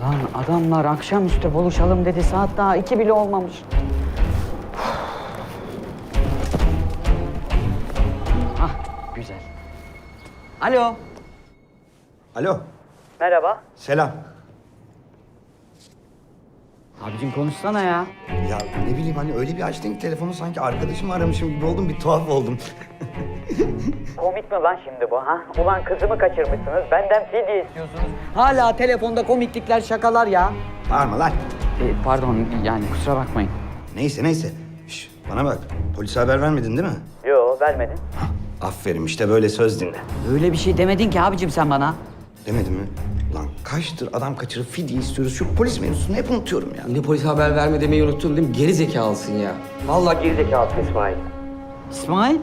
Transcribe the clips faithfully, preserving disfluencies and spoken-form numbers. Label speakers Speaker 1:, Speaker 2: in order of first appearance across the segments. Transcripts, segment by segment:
Speaker 1: Lan adamlar akşamüstü buluşalım dedi. Saat daha iki bile olmamış. Hah, güzel. Alo.
Speaker 2: Alo,
Speaker 1: Merhaba.
Speaker 2: selam.
Speaker 1: Abicim konuşsana ya.
Speaker 2: Ya ne bileyim hani öyle bir açtın ki telefonu sanki arkadaşımı aramışım gibi oldum, bir tuhaf oldum.
Speaker 1: Komik mi lan şimdi bu ha? Ulan kızımı kaçırmışsınız, benden fidye istiyorsunuz. Hala telefonda komiklikler, şakalar ya.
Speaker 2: Bağırma lan.
Speaker 1: E, pardon yani kusura bakmayın.
Speaker 2: Neyse neyse. Şş, bana bak, polise haber vermedin değil mi?
Speaker 1: Yo vermedin.
Speaker 2: Aferin, işte böyle söz dinle.
Speaker 1: Öyle bir şey demedin ki abicim sen bana.
Speaker 2: Demedin mi? Lan kaçtır adam kaçırıp fidye istiyoruz. Şu polis mevzusunu hep unutuyorum ya.
Speaker 3: Yine polise haber verme demeyi unuttun değil mi? Geri zekalısın ya. Vallahi geri zekalısın İsmail.
Speaker 1: İsmail?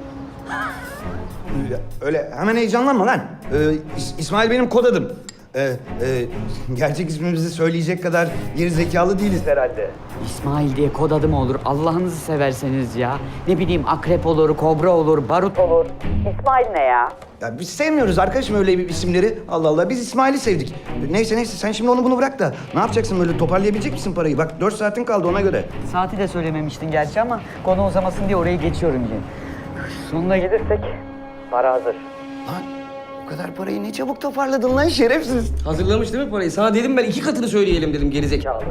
Speaker 2: Ya, öyle hemen heyecanlanma lan. Ee, İs- İsmail benim kod adım. Ee, e, gerçek ismimizi söyleyecek kadar geri zekalı değiliz herhalde.
Speaker 1: İsmail diye kod adı mı olur? Allah'ınızı severseniz ya. Ne bileyim akrep olur, kobra olur, barut olur. İsmail ne ya?
Speaker 2: Ya biz sevmiyoruz arkadaşım öyle bir isimleri. Allah Allah, biz İsmail'i sevdik. Neyse neyse, sen şimdi onu bunu bırak da ne yapacaksın, böyle toparlayabilecek misin parayı? Bak dört saatin kaldı ona göre.
Speaker 1: Saati de söylememiştin gerçi ama konu uzamasın diye orayı geçiyorum yine. Sonuna gelirsek para hazır.
Speaker 2: Lan o kadar parayı ne çabuk toparladın lan şerefsiz.
Speaker 3: Hazırlamış değil mi parayı? Sana dedim ben iki katını söyleyelim dedim geri zekalı.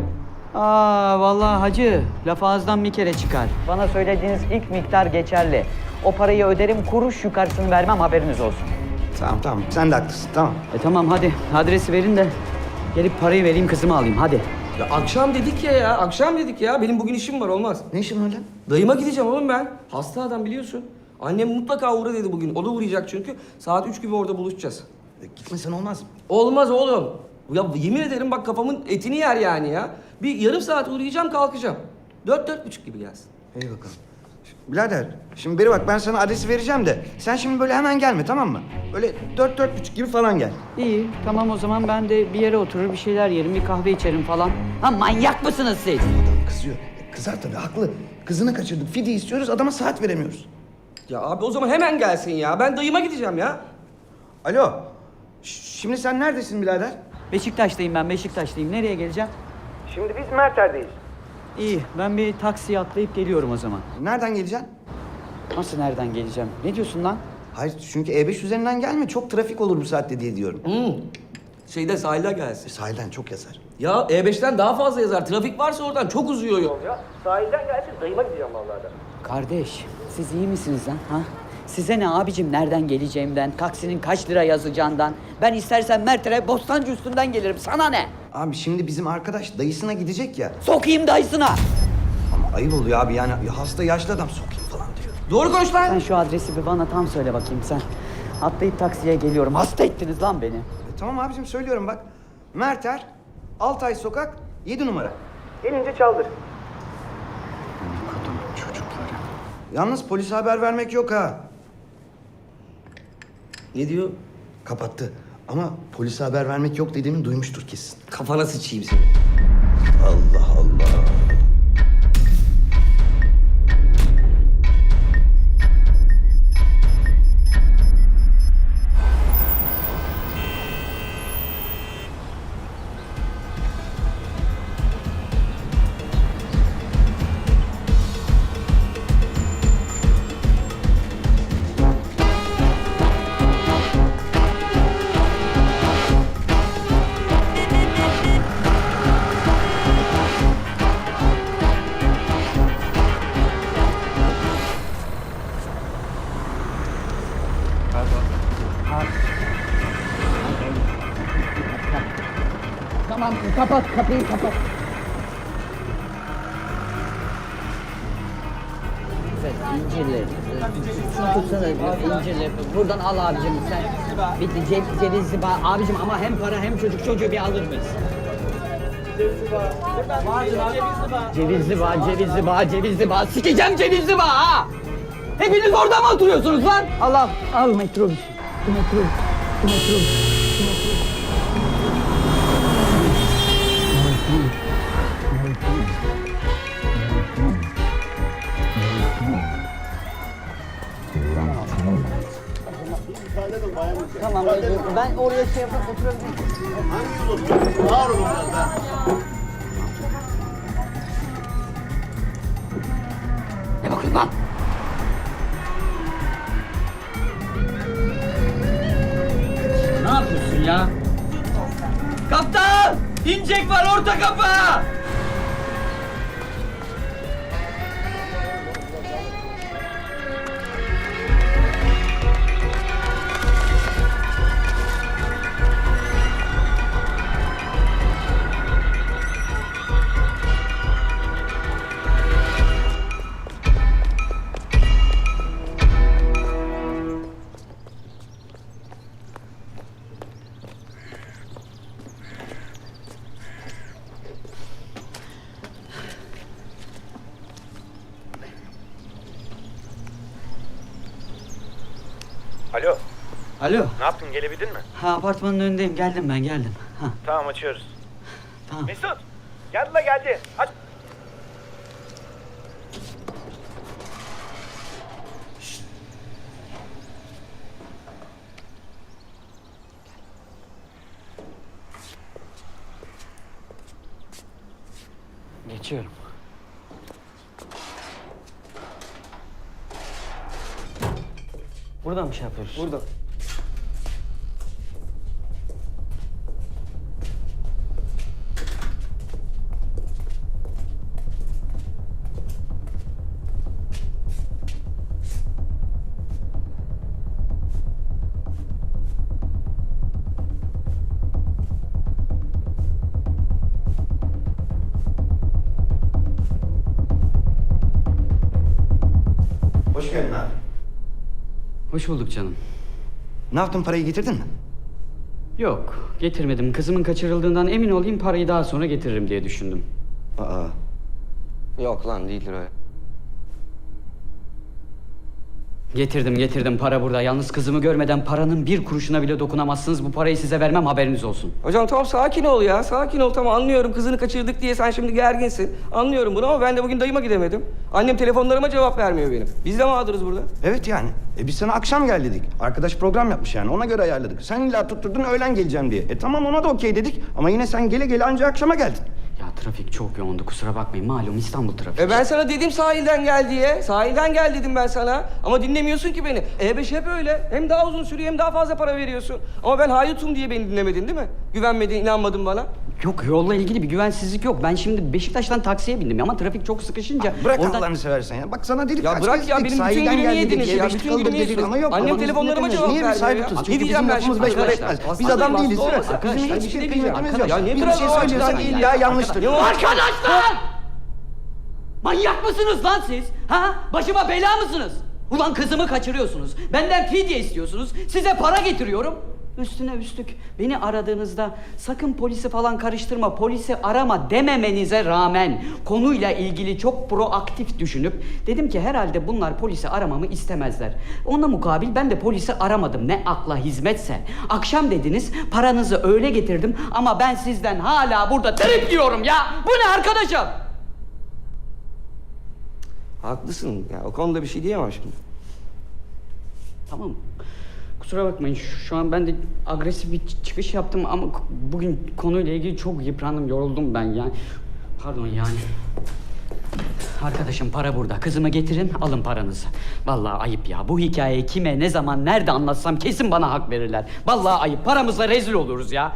Speaker 1: Aa vallahi hacı, laf ağızdan bir kere çıkar. Bana söylediğiniz ilk miktar geçerli. O parayı öderim, kuruş yukarısını vermem, haberiniz olsun.
Speaker 2: Tamam tamam, sen de haklısın, tamam.
Speaker 1: E tamam hadi, adresi verin de gelip parayı vereyim, kızımı alayım hadi.
Speaker 3: Ya akşam dedik ya ya, akşam dedik ya. Benim bugün işim var olmaz.
Speaker 2: Ne işin var lan?
Speaker 3: Dayıma gideceğim oğlum ben. Hasta adam biliyorsun. Annem mutlaka uğra dedi bugün. O da uğrayacak çünkü. Saat üç gibi orada buluşacağız.
Speaker 2: E, gitmesen olmaz.
Speaker 3: Olmaz oğlum. Ya yemin ederim bak kafamın etini yer yani ya. Bir yarım saat uğrayacağım kalkacağım. Dört, dört buçuk gibi gelsin.
Speaker 2: İyi bakalım. Birader, şimdi beri bak ben sana adresi vereceğim de sen şimdi böyle hemen gelme, tamam mı? Böyle dört, dört buçuk gibi falan gel.
Speaker 1: İyi, tamam o zaman ben de bir yere oturur, bir şeyler yerim, bir kahve içerim falan. Ha manyak mısınız siz?
Speaker 2: Adam kızıyor. E, kızar tabii, haklı. Kızını kaçırdık, fidye istiyoruz, adama saat veremiyoruz.
Speaker 3: Ya abi o zaman hemen gelsin ya. Ben dayıma gideceğim ya.
Speaker 2: Alo, Ş- şimdi sen neredesin birader?
Speaker 1: Beşiktaş'tayım ben, Beşiktaş'tayım. Nereye geleceğim?
Speaker 2: Şimdi biz Merter'deyiz.
Speaker 1: İyi, ben bir taksiye atlayıp geliyorum o zaman.
Speaker 2: Nereden geleceksin?
Speaker 1: Nasıl nereden geleceğim? Ne diyorsun lan?
Speaker 2: Hayır, çünkü E beş üzerinden gelme, çok trafik olur bu saatte diye diyorum.
Speaker 3: Hmm. Şeyde sahilden gelsin.
Speaker 2: Sahilden çok yazar.
Speaker 3: Ya E beşten daha fazla yazar. Trafik varsa oradan çok uzuyor yol ya. Sahilden gelsin dayıma gideceğim vallahi da.
Speaker 1: Kardeş, siz iyi misiniz lan? Ha? Size ne abicim nereden geleceğimden, taksinin kaç lira yazacağından. Ben istersen Mert'e Bostancı üstünden gelirim. Sana ne?
Speaker 2: Abi şimdi bizim arkadaş dayısına gidecek ya.
Speaker 1: Sokayım dayısına.
Speaker 2: Ama ayıp oluyor abi, yani ya hasta yaşlı adam sokayım falan diyor.
Speaker 3: Doğru konuş lan.
Speaker 1: Sen şu adresi bir bana tam söyle bakayım sen. Atlayıp taksiye geliyorum. Hasta ettiniz lan beni.
Speaker 2: E, tamam abicim, söylüyorum bak. Merter, Altay Sokak, yedi numara. Gelince çaldır.
Speaker 1: Kadın çocukları.
Speaker 2: Yalnız polise haber vermek yok ha.
Speaker 3: Ne diyor?
Speaker 2: Kapattı. Ama polise haber vermek yok dediğimi duymuştur kesin.
Speaker 3: Kafana sıçayım seni.
Speaker 2: Allah Allah.
Speaker 1: Tamam kapat kapıyı kapat. İncirli. Şunu tutsana incirli. Buradan al abicim sen. Bitti cev, cevizli bağ. Abicim ama hem para hem çocuk çocuğu bir alır mıyız? Cevizli bağ, cevizli bağ, cevizli bağ. Sikeceğim cevizli bağ ha! Hepiniz orada mı oturuyorsunuz lan? Al al, al metrobüs. Şu metrobüs, şu metrobüs. Tamam, ben o
Speaker 4: oraya şey yapıp oturabiliriz.
Speaker 5: Hangi yolu? Ağır olun biraz daha.
Speaker 1: Ne bakıyorsun lan? Ne yapıyorsun ya? Kaptan! İncek var orta kapı!
Speaker 2: Alo,
Speaker 1: Alo.
Speaker 2: ne yaptın? Gelebildin mi?
Speaker 1: Ha, apartmanın önündeyim. Geldim ben geldim. Ha,
Speaker 2: Tamam, açıyoruz.
Speaker 1: tamam.
Speaker 2: Mesut, geldi la geldi. Aç.
Speaker 1: Geçiyorum. Buradan mı şey yapıyoruz?
Speaker 3: Burada.
Speaker 2: Hoş geldin abi.
Speaker 1: Hoş bulduk canım.
Speaker 2: Ne yaptın, parayı getirdin mi?
Speaker 1: Yok, getirmedim. Kızımın kaçırıldığından emin olayım, parayı daha sonra getiririm diye düşündüm.
Speaker 2: Aa,
Speaker 3: Yok lan değildir öyle.
Speaker 1: Getirdim, getirdim. Para burada. Yalnız kızımı görmeden paranın bir kuruşuna bile dokunamazsınız. Bu parayı size vermem, haberiniz olsun.
Speaker 3: Hocam tamam sakin ol ya. Sakin ol tamam anlıyorum. Kızını kaçırdık diye sen şimdi gerginsin. Anlıyorum bunu ama ben de bugün dayıma gidemedim. Annem telefonlarıma cevap vermiyor benim. Biz de mağduruz burada.
Speaker 2: evet yani. E biz sana akşam gel dedik. Arkadaş program yapmış yani, ona göre ayarladık. Sen illa tutturdun öğlen geleceğim diye. E tamam, ona da okey dedik ama yine sen gele gele anca akşama geldin.
Speaker 1: Ya trafik çok yoğundu, kusura bakmayın. Malum İstanbul trafiği.
Speaker 3: E ben sana dedim sahilden gel diye. Sahilden gel dedim ben sana. Ama dinlemiyorsun ki beni. E beş hep öyle. Hem daha uzun sürüyor hem daha fazla para veriyorsun. Ama ben hayutum diye beni dinlemedin değil mi? Güvenmedin, inanmadın bana.
Speaker 1: Yok, yolla ilgili bir güvensizlik yok. Ben şimdi Beşiktaş'tan taksiye bindim ama trafik çok sıkışınca...
Speaker 2: Bırak
Speaker 1: oradan-
Speaker 2: Allah'ını seversen ya. Bak sana dedik
Speaker 3: Ya
Speaker 2: kaç
Speaker 3: bırak
Speaker 2: kez
Speaker 3: ya,
Speaker 2: dedik,
Speaker 3: benim bütün
Speaker 2: sahilden
Speaker 3: günümü
Speaker 2: gel dedik,
Speaker 3: yediniz ya,
Speaker 2: E beş
Speaker 3: bütün
Speaker 2: tıkıldık
Speaker 3: günümü
Speaker 2: dedik
Speaker 3: yediniz.
Speaker 2: ama yok.
Speaker 3: Annem
Speaker 2: babanız
Speaker 3: telefonlarıma
Speaker 2: dinletemiyor.
Speaker 3: cevap
Speaker 2: Niye biz
Speaker 3: vermiyor
Speaker 2: sahibi
Speaker 3: ya?
Speaker 2: tutuyoruz? Çünkü
Speaker 3: Gideceğim
Speaker 2: bizim
Speaker 3: ben
Speaker 2: lafımız
Speaker 3: şimdi.
Speaker 2: beş para
Speaker 3: Arkadaşlar,
Speaker 2: etmez. Biz
Speaker 3: hastayım,
Speaker 2: adam
Speaker 3: hasta
Speaker 2: değiliz değil mi?
Speaker 3: olmasın.
Speaker 2: Bizim
Speaker 1: Arkadaşlar,
Speaker 2: hiçbir
Speaker 3: bir şey
Speaker 2: şey
Speaker 3: diyeceğim.
Speaker 2: kıymetimiz yok.
Speaker 3: Ya niye
Speaker 2: Bir
Speaker 3: biraz
Speaker 2: şey
Speaker 3: daha
Speaker 2: söylüyorsan
Speaker 3: açıdan değil
Speaker 2: illa
Speaker 3: ya?
Speaker 2: yanlıştır.
Speaker 3: Ne o?
Speaker 1: Arkadaşlar! Manyak mısınız lan siz? Ha? Başıma bela mısınız? Ulan kızımı kaçırıyorsunuz. Benden fidye istiyorsunuz. Size para getiriyorum. Üstüne üstlük beni aradığınızda sakın polisi falan karıştırma, polisi arama dememenize rağmen konuyla ilgili çok proaktif düşünüp dedim ki herhalde bunlar polisi aramamı istemezler. Ona mukabil ben de polisi aramadım. Ne akla hizmetse. Akşam dediniz, paranızı öyle getirdim ama ben sizden hala burada trip diyorum ya. Bu ne arkadaşım?
Speaker 3: Haklısın ya o konuda bir şey diyemem şimdi.
Speaker 1: Tamam. Kusura bakmayın. Şu, şu an ben de agresif bir ç- çıkış yaptım ama k- bugün konuyla ilgili çok yıprandım, yoruldum ben yani. Pardon yani. Arkadaşım para burada. Kızımı getirin, alın paranızı. Vallahi ayıp ya. Bu hikayeyi kime, ne zaman, nerede anlatsam kesin bana hak verirler. Vallahi ayıp. Paramızla rezil oluruz ya.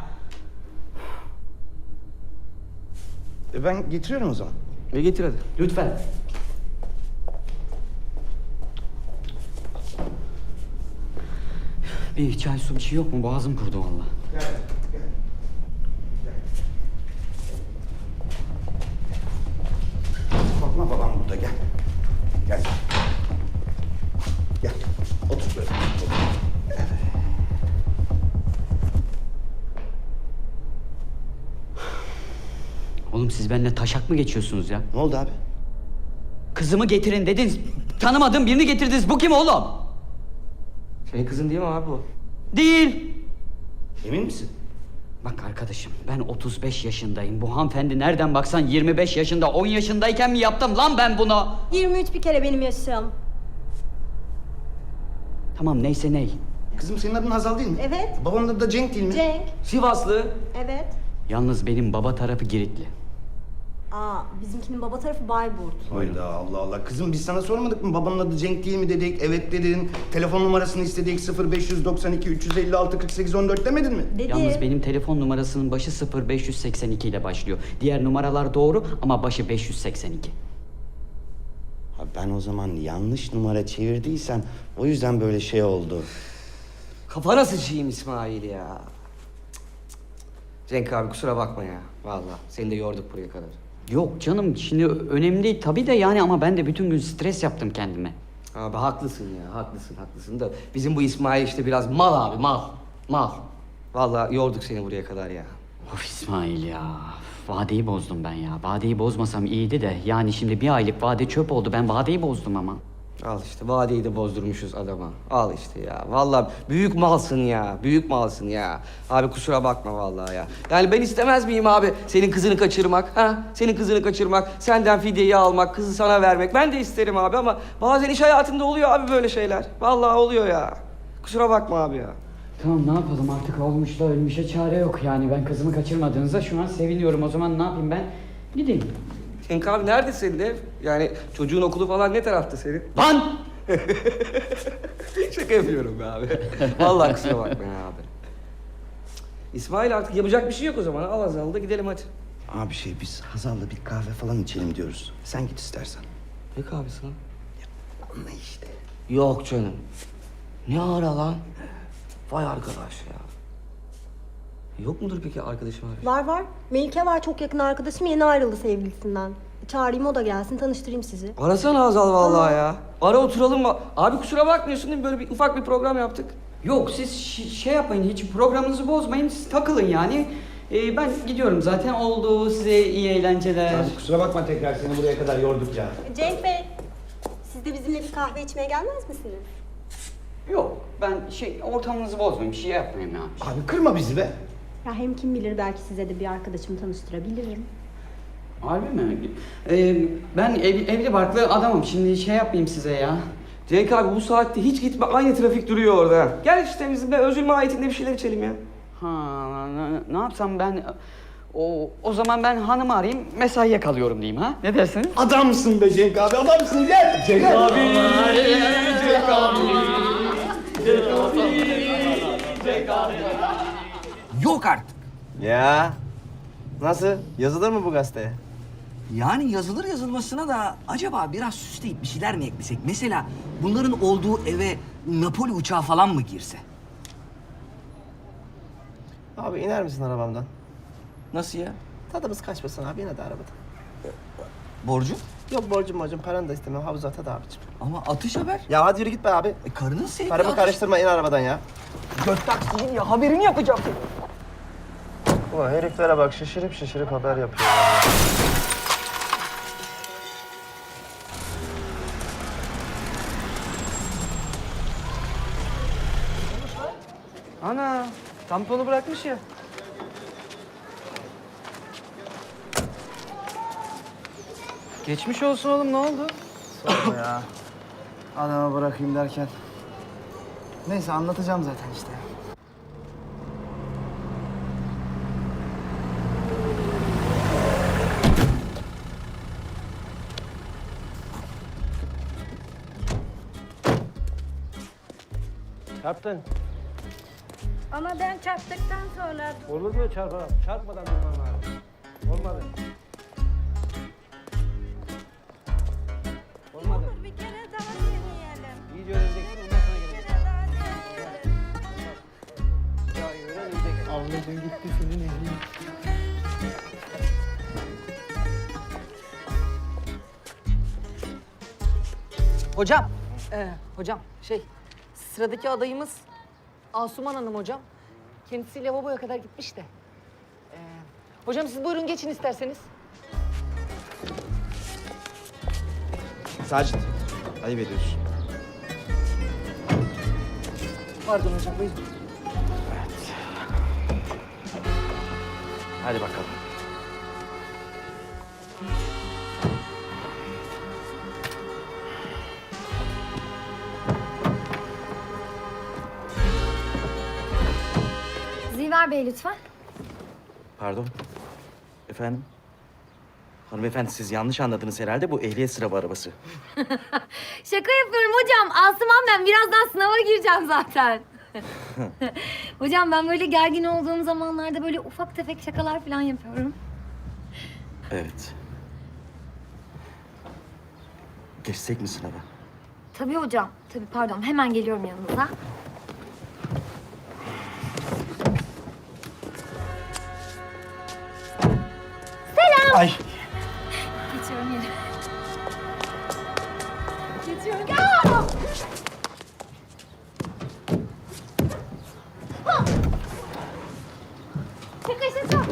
Speaker 2: E ben getiriyorum o zaman.
Speaker 3: Ve getir hadi.
Speaker 1: Lütfen. Bir çay su bir şey yok mu? Boğazım kurudu vallahi.
Speaker 2: Gel, gel. Korkma, babam burada, gel. Gel. Gel. Otur böyle. Otur. Evet.
Speaker 1: Oğlum siz benimle taşak mı geçiyorsunuz ya?
Speaker 2: Ne oldu abi?
Speaker 1: Kızımı getirin dediniz. Tanımadığım birini getirdiniz. Bu kim oğlum?
Speaker 3: Senin kızın değil mi abi bu?
Speaker 1: Değil.
Speaker 2: Emin misin?
Speaker 1: Bak arkadaşım ben otuz beş yaşındayım. Bu hanımefendi nereden baksan yirmi beş yaşında, on yaşındayken mi yaptım lan ben bunu?
Speaker 6: yirmi üç bir kere benim yaşım.
Speaker 1: Tamam neyse ney.
Speaker 2: Kızım senin adın Hazal değil mi?
Speaker 4: Evet.
Speaker 2: Babanın adı da Cenk değil mi?
Speaker 4: Cenk.
Speaker 3: Sivaslı.
Speaker 4: Evet.
Speaker 1: Yalnız benim baba tarafı Giritli.
Speaker 4: Aa, bizimkinin baba tarafı Bayburt.
Speaker 2: Hayda Allah Allah. Kızım biz sana sormadık mı babanın adı Cenk değil mi dedik? Evet dedin. Telefon numarasını istedik. sıfır beş doksan iki üç yüz elli altı kırk sekiz on dört demedin mi?
Speaker 4: Dedi.
Speaker 1: Yalnız benim telefon numarasının başı sıfır beş seksen iki ile başlıyor. Diğer numaralar doğru ama başı beş yüz seksen iki.
Speaker 2: Ha ben o zaman yanlış numara çevirdiysem o yüzden böyle şey oldu.
Speaker 3: Kafana sıçayım İsmail ya. Cenk abi kusura bakma ya. Vallahi seni de yorduk buraya kadar.
Speaker 1: Yok canım şimdi önemli değil tabii de yani ama ben de bütün gün stres yaptım kendime.
Speaker 3: Abi haklısın ya, haklısın, haklısın da bizim bu İsmail işte biraz mal abi, mal. Mal. Vallahi yorduk seni buraya kadar ya.
Speaker 1: Of İsmail ya. Vadeyi bozdum ben ya. Vadeyi bozmasam iyiydi de yani şimdi bir aylık vade çöp oldu. Ben vadeyi bozdum ama.
Speaker 3: Al işte vadeyi de bozdurmuşuz adama. Al işte ya. Vallahi büyük malsın ya. Büyük malsın ya. Abi kusura bakma vallahi ya. Yani ben istemez miyim abi senin kızını kaçırmak? Ha? Senin kızını kaçırmak, senden fidyeyi almak, kızı sana vermek. Ben de isterim abi ama bazen iş hayatında oluyor abi böyle şeyler. Vallahi oluyor ya. Kusura bakma abi ya.
Speaker 1: Tamam ne yapalım artık olmuş da ölmüşe çare yok yani. Ben kızımı kaçırmadığınıza şu an seviniyorum. O zaman ne yapayım ben? Gideyim.
Speaker 3: Cenk abi nerede senin ev? Yani çocuğun okulu falan ne tarafta senin?
Speaker 1: Lan!
Speaker 3: Şaka yapıyorum be abi. Vallahi kusura bakma ya abi. İsmail artık yapacak bir şey yok o zaman. Al Hazal'ı da gidelim hadi.
Speaker 2: Abi şey biz Hazal'la bir kahve falan içelim diyoruz. Sen git istersen.
Speaker 3: Ne kahvesi lan?
Speaker 2: Anla işte.
Speaker 3: Yok canım. Ne ara lan? Vay arkadaş ya. Yok mudur peki arkadaşım var?
Speaker 4: Var var. Melike var, çok yakın arkadaşım, yeni ayrıldı sevgilisinden. Çağırayım, o da gelsin, tanıştırayım sizi.
Speaker 3: Arasana Hazal vallahi ya. Ara oturalım. va- Abi kusura bakmıyorsun değil mi? Böyle bir ufak bir program yaptık.
Speaker 1: Yok siz şi- şey yapmayın hiç programınızı bozmayın. Siz takılın yani. Ee, ben gidiyorum zaten. Oldu size iyi eğlenceler.
Speaker 2: Abi kusura bakma tekrar seni buraya kadar yorduk ya.
Speaker 4: Cenk Bey, siz de bizimle bir kahve içmeye gelmez misiniz?
Speaker 1: Yok ben şey ortamınızı bozmayayım. Şey yapmayayım ya.
Speaker 2: Abi kırma bizi be.
Speaker 4: Ya hem kim bilir, belki size de bir arkadaşımı tanıştırabilirim.
Speaker 1: Harbi mi? Ee, ben ev, evli barklı adamım. Şimdi şey yapmayayım size ya.
Speaker 3: Cenk abi bu saatte hiç gitme. Aynı trafik duruyor orada. Gel işte bizimle özül mahiyetinde bir şeyler içelim ya.
Speaker 1: Ha, ne, ne yapsam ben... O, o zaman ben hanımı arayayım, mesaiye kalıyorum diyeyim ha? Ne dersiniz?
Speaker 2: Adamsın be Cenk abi adamsın gel. Cenk abi. Cenk abi.
Speaker 6: Yok artık.
Speaker 7: Ya nasıl? Yazılır mı bu gazeteye?
Speaker 6: Yani yazılır yazılmasına da acaba biraz süsleyip bir şeyler mi eklesek? Mesela bunların olduğu eve Napoli uçağı falan mı girse?
Speaker 7: Abi iner misin arabamdan?
Speaker 3: Nasıl ya?
Speaker 7: Tadımız kaçmasın abi, yine de arabadan.
Speaker 6: Borcu?
Speaker 7: Yok borcum borcum, paranı da istemem, havuza tad abicim.
Speaker 6: Ama atış haber.
Speaker 7: Ya hadi yürü git be abi.
Speaker 6: E, karının sevdiği
Speaker 7: Karımı
Speaker 6: atış.
Speaker 7: karıştırma, in arabadan ya.
Speaker 6: Göt taksinin ya haberini yapacağım.
Speaker 7: Ulan heriflere bak, şaşırıp şaşırıp haber yapıyorlar.
Speaker 3: Ana tamponu bırakmış ya. Geçmiş olsun oğlum, ne oldu?
Speaker 7: Sorma ya. Adama bırakayım derken. Neyse anlatacağım zaten işte.
Speaker 8: Çarptın.
Speaker 9: Ama ben çarptıktan sonra
Speaker 8: Olur mu çarpma? Çarpmadan durman lazım. Olmadı. Olmadı.
Speaker 9: dur bir kere daha deneyelim.
Speaker 8: İyice öğreneceksin, ondan sonra
Speaker 9: Bir
Speaker 8: geleceksin.
Speaker 9: kere daha deneyelim.
Speaker 8: Ya öğren, öğreneceksin. Avladın gitti senin elin.
Speaker 10: Hocam, e, hocam şey, sıradaki adayımız Asuman Hanım hocam. Kendisi lavaboya kadar gitmiş de. E, hocam siz buyurun geçin isterseniz.
Speaker 7: Sacit, ayıp ediyorsun.
Speaker 10: Pardon hocam buyurun.
Speaker 7: Hadi bakalım.
Speaker 9: Ömer Bey lütfen.
Speaker 11: Pardon. Efendim? Hanımefendi siz yanlış anladınız herhalde. Bu ehliyet sınavı arabası.
Speaker 9: Şaka yapıyorum hocam. Asuman ben. Birazdan sınava gireceğim zaten. Hocam ben böyle gergin olduğum zamanlarda böyle ufak tefek şakalar falan yapıyorum.
Speaker 11: Evet. Geçsek mi sınava?
Speaker 9: Tabii hocam. Tabii pardon. Hemen geliyorum yanınıza.
Speaker 11: Ay.
Speaker 9: Geçiyorum yere. Geçiyorum. Aa! Ha! Şaka şaka.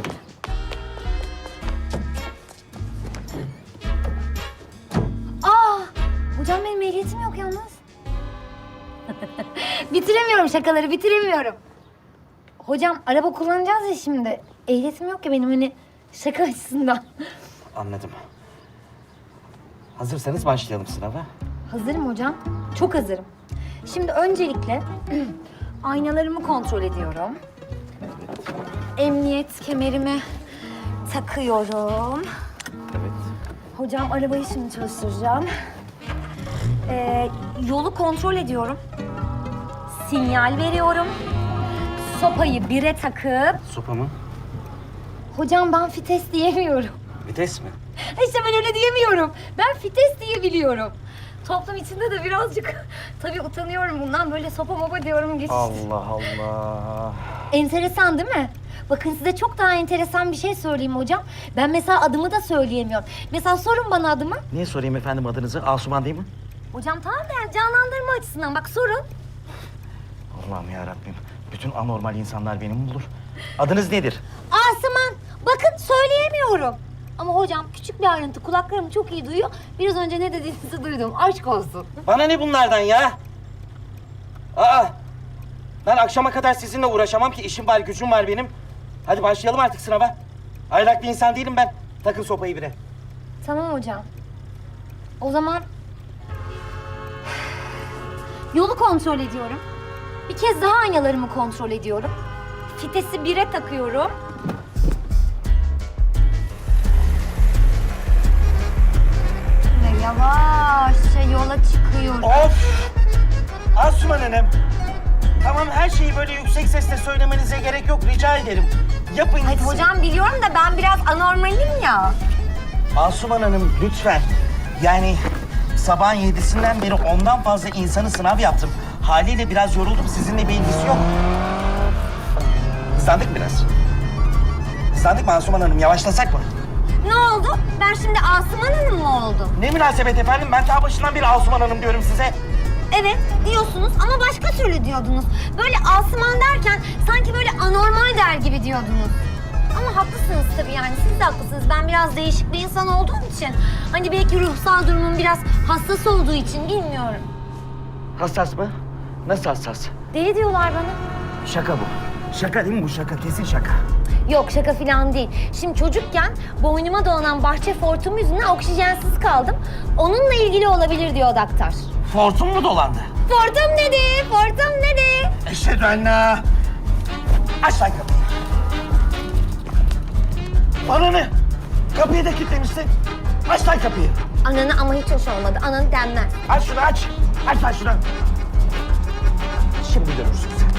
Speaker 9: Aa! Hocam benim ehliyetim yok yalnız. Bitiremiyorum şakaları, bitiremiyorum. Hocam araba kullanacağız ya şimdi. Ehliyetim yok ya benim hani şaka açısından.
Speaker 11: Anladım. Hazırsanız başlayalım sınava.
Speaker 9: Hazırım hocam. Çok hazırım. Şimdi öncelikle aynalarımı kontrol ediyorum. Emniyet kemerimi takıyorum.
Speaker 11: Evet.
Speaker 9: Hocam arabayı şimdi çalıştıracağım. Ee, yolu kontrol ediyorum. Sinyal veriyorum. Sopayı bire takıp...
Speaker 11: Sopa mı?
Speaker 9: Hocam ben fites diyemiyorum.
Speaker 11: Vites mi?
Speaker 9: İşte ben öyle diyemiyorum. Ben fites diyebiliyorum. Toplum içinde de birazcık tabii utanıyorum bundan. Böyle sopa mopa diyorum geç.
Speaker 11: Allah Allah.
Speaker 9: Enteresan değil mi? Bakın size çok daha enteresan bir şey söyleyeyim hocam. Ben mesela adımı da söyleyemiyorum. Mesela sorun bana adımı.
Speaker 11: Niye sorayım efendim adınızı? Asuman değil mi?
Speaker 9: Hocam tamam da yani canlandırma açısından bak sorun.
Speaker 11: Allah'ım yarabbim. Bütün anormal insanlar beni bulur. Adınız nedir?
Speaker 9: Asuman. Bakın söyleyemiyorum. Ama hocam küçük bir ayrıntı kulaklarım çok iyi duyuyor. Biraz önce ne dediğinizi duydum. Aşk olsun.
Speaker 11: Bana ne bunlardan ya? Aa! Ben akşama kadar sizinle uğraşamam ki işim var, gücüm var benim. Hadi başlayalım artık sınava. Aylak bir insan değilim ben. Takın sopayı bire.
Speaker 9: Tamam hocam. O zaman yolu kontrol ediyorum. Bir kez daha aynalarımı kontrol ediyorum. Fitesi bire takıyorum. Ve yavaşça yola çıkıyorum.
Speaker 11: Of! Asuman Hanım. Tamam her şeyi böyle yüksek sesle söylemenize gerek yok. Rica ederim. Yapın
Speaker 9: Hadi
Speaker 11: gitsin.
Speaker 9: hocam biliyorum da ben biraz anormalim ya.
Speaker 11: Asuman Hanım lütfen. Yani sabahın yedisinden beri ondan fazla insanı sınav yaptım. Haliyle biraz yoruldum. Sizinle bir ilgisi yok. Hızlandık biraz. Hızlandık mı Asuman Hanım? Yavaşlasak mı?
Speaker 9: Ne oldu? Ben şimdi Asuman Hanım mı oldum?
Speaker 11: Ne münasebet efendim? Ben ta başından beri Asuman Hanım diyorum size.
Speaker 9: Evet diyorsunuz ama başka türlü diyordunuz. Böyle Asuman derken sanki böyle anormal der gibi diyordunuz. Ama haklısınız tabii yani siz de haklısınız. Ben biraz değişik bir insan olduğum için. Hani belki ruhsal durumum biraz hassas olduğu için bilmiyorum.
Speaker 11: Hassas mı? Nasıl hassas?
Speaker 9: Deli diyorlar bana.
Speaker 11: Şaka bu. Şaka değil mi bu şaka? Kesin şaka.
Speaker 9: Yok şaka falan değil. Şimdi çocukken boynuma dolanan bahçe fortum yüzünden oksijensiz kaldım. Onunla ilgili olabilir diyor doktor.
Speaker 11: Fortun mu dolandı?
Speaker 9: Fortum dedi, fortum dedi.
Speaker 11: Eşhedü enne. Aç lan kapıyı. Bana ne? Kapıyı da kilitlemişsin. Aç lan kapıyı.
Speaker 9: Ananı ama hiç hoş olmadı. Ananı denmez.
Speaker 11: Aç şunu aç. Aç lan şunu. Şimdi görürsün sen.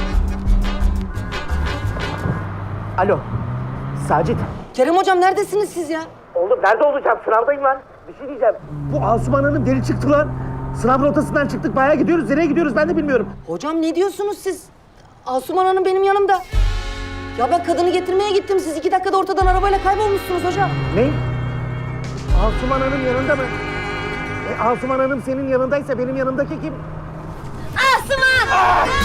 Speaker 11: Alo. Sacit.
Speaker 10: Kerem hocam neredesiniz siz ya?
Speaker 11: Oğlum nerede olacağım? Sınavdayım lan. Bir şey diyeceğim. Bu Asuman Hanım deli çıktı lan. Sınav rotasından çıktık. Bayağı gidiyoruz. Nereye gidiyoruz ben de bilmiyorum.
Speaker 10: Hocam ne diyorsunuz siz? Asuman Hanım benim yanımda. Ya ben kadını getirmeye gittim. Siz iki dakikada ortadan arabayla kaybolmuşsunuz hocam.
Speaker 11: Ne? Asuman Hanım yanında mı? E, Asuman Hanım senin yanındaysa benim yanımdaki kim?
Speaker 9: Asuman!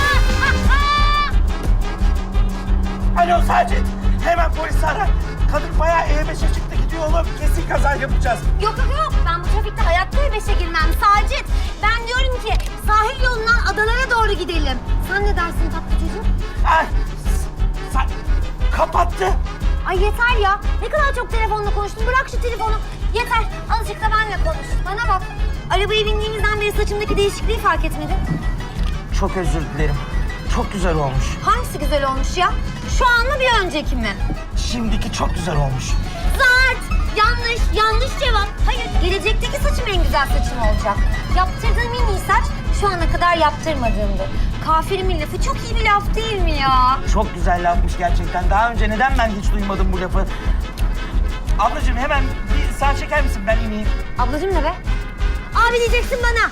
Speaker 11: Alo Sacit. Hemen polisi ara. Kadın bayağı E beşe çıktı gidiyor oğlum. Kesin kaza yapacağız.
Speaker 9: Yok yok yok. Ben bu trafikte hayatta E beşe girmem Sacit. Ben diyorum ki sahil yolundan adalara doğru gidelim. Sen ne dersin tatlı çocuğum?
Speaker 11: Ay, sa- kapattı.
Speaker 9: Ay yeter ya. Ne kadar çok telefonla konuştun. Bırak şu telefonu. Yeter. Azıcık da benimle konuş. Bana bak. Arabaya bindiğimizden beri saçımdaki değişikliği fark etmedin.
Speaker 11: Çok özür dilerim. çok güzel olmuş.
Speaker 9: Hangisi güzel olmuş ya? Şu an mı bir önceki mi?
Speaker 11: Şimdiki çok güzel olmuş.
Speaker 9: Zart! Yanlış, yanlış cevap. Hayır, gelecekteki saçım en güzel saçım olacak. Yaptırdığım en iyi saç şu ana kadar yaptırmadığımdı. Kafirimin lafı çok iyi bir laf değil mi ya?
Speaker 11: Çok güzel lafmış gerçekten. Daha önce neden ben hiç duymadım bu lafı? Ablacığım hemen bir sağ çeker misin? Ben ineyim.
Speaker 9: Ablacığım ne be? Abi diyeceksin bana.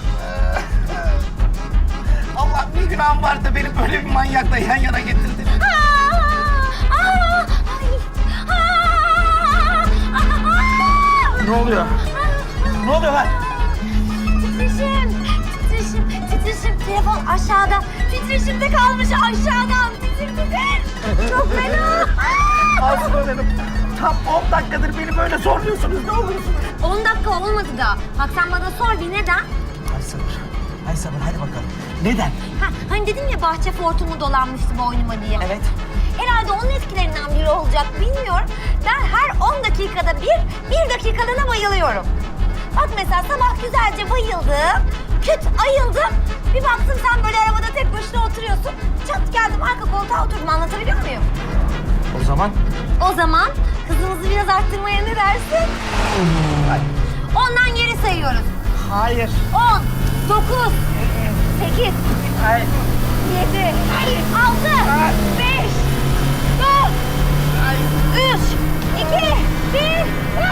Speaker 11: Allah bir günahım vardı benim böyle bir manyakla yan yana getirdin.
Speaker 9: Aa! Aa! Ay! Aa! Aa!
Speaker 11: Ne oluyor? Ne oluyor lan?
Speaker 9: Titreşim, titreşim, titreşim. Telefon aşağıda. Titreşimde kalmış aşağıdan. Titir titir. Çok fena.
Speaker 11: Asuman Hanım, tam on dakikadır beni böyle zorluyorsunuz. Ne olursunuz?
Speaker 9: on dakika olmadı da. Bak sen bana sor bir neden?
Speaker 11: Ay sabır. Ay sabır hadi bakalım. Neden?
Speaker 9: Ha, hani dedim ya bahçe fortumu dolanmıştı boynuma diye.
Speaker 11: Evet.
Speaker 9: Herhalde onun etkilerinden biri olacak bilmiyorum. Ben her on dakikada bir, bir dakikalığına bayılıyorum. Bak mesela sabah güzelce bayıldım, küt ayıldım. Bir baktım sen böyle arabada tek başına oturuyorsun. Çat geldim arka koltuğa oturdum, anlatabiliyor muyum?
Speaker 11: O zaman?
Speaker 9: O zaman hızımızı biraz arttırmaya ne dersin? Ondan geri sayıyoruz.
Speaker 11: Hayır.
Speaker 9: On, dokuz, sekiz,
Speaker 11: Hayır.
Speaker 9: yedi, altı, beş, dört, üç, iki, bir.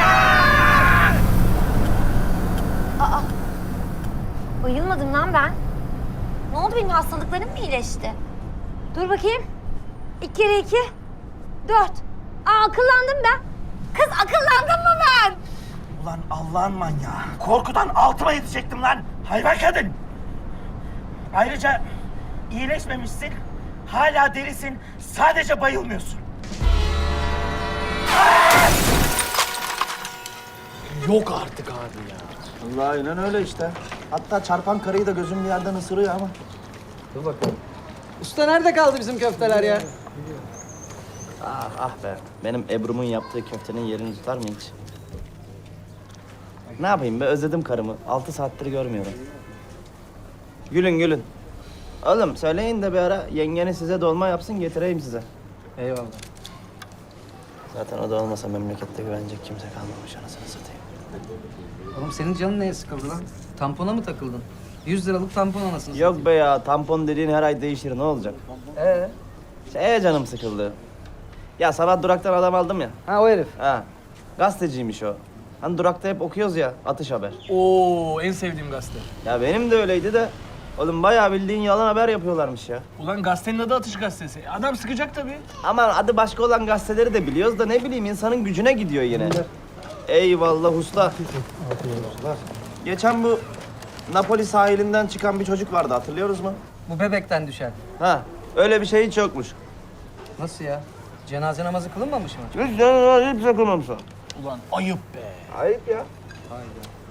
Speaker 9: Aa! Bayılmadım lan ben. Ne oldu, benim hastalıklarım mı iyileşti? Dur bakayım. İki kere iki, dört. Aa, akıllandım ben. Kız akıllandım mı ben?
Speaker 11: Ulan Allah'ın manyağı. Korkudan altıma yetecektim lan. Hayvan kadın. Ayrıca iyileşmemişsin. Hala delisin. Sadece bayılmıyorsun.
Speaker 8: Yok artık abi ya.
Speaker 7: Allah aynen öyle işte. Hatta çarpan karıyı da gözüm bir yerden ısırıyor ama.
Speaker 3: Dur bakalım. Usta nerede kaldı bizim köfteler ya?
Speaker 12: Ah, ah be. Benim Ebru'mun yaptığı köftenin yerini tutar mı hiç? Ne yapayım be? Özledim karımı. Altı saattir görmüyorum. Gülün gülün. Oğlum söyleyin de bir ara yengeni size dolma yapsın getireyim size.
Speaker 3: Eyvallah.
Speaker 12: Zaten o da olmasa memlekette güvenecek kimse kalmamış anasını satayım.
Speaker 3: Oğlum senin canın neye sıkıldı lan? Tampona mı takıldın? Yüz liralık tampon anasını
Speaker 12: Yok be ya tampon dediğin her ay değişir ne olacak?
Speaker 3: Ee?
Speaker 12: Şeye canım sıkıldı. Ya sabah duraktan adam aldım ya.
Speaker 3: Ha o herif.
Speaker 12: Ha. Gazeteciymiş o. Hani durakta hep okuyoruz ya atış haber.
Speaker 8: Oo, en sevdiğim gazete.
Speaker 12: Ya benim de öyleydi de. Oğlum bayağı bildiğin yalan haber yapıyorlarmış ya.
Speaker 8: Ulan gazetenin adı Atış Gazetesi. Adam sıkacak tabii.
Speaker 12: Aman adı başka olan gazeteleri de biliyoruz da ne bileyim insanın gücüne gidiyor yine. Eyvallah usta. Geçen bu Napoli sahilinden çıkan bir çocuk vardı hatırlıyoruz mu?
Speaker 3: Bu bebekten düşen.
Speaker 12: Ha öyle bir şey hiç yokmuş.
Speaker 3: Nasıl ya? Cenaze namazı kılınmamış mı?
Speaker 12: Hiç canına hiç sakınmamış o.
Speaker 8: Ulan ayıp be.
Speaker 12: Ayıp ya.
Speaker 3: Hayda.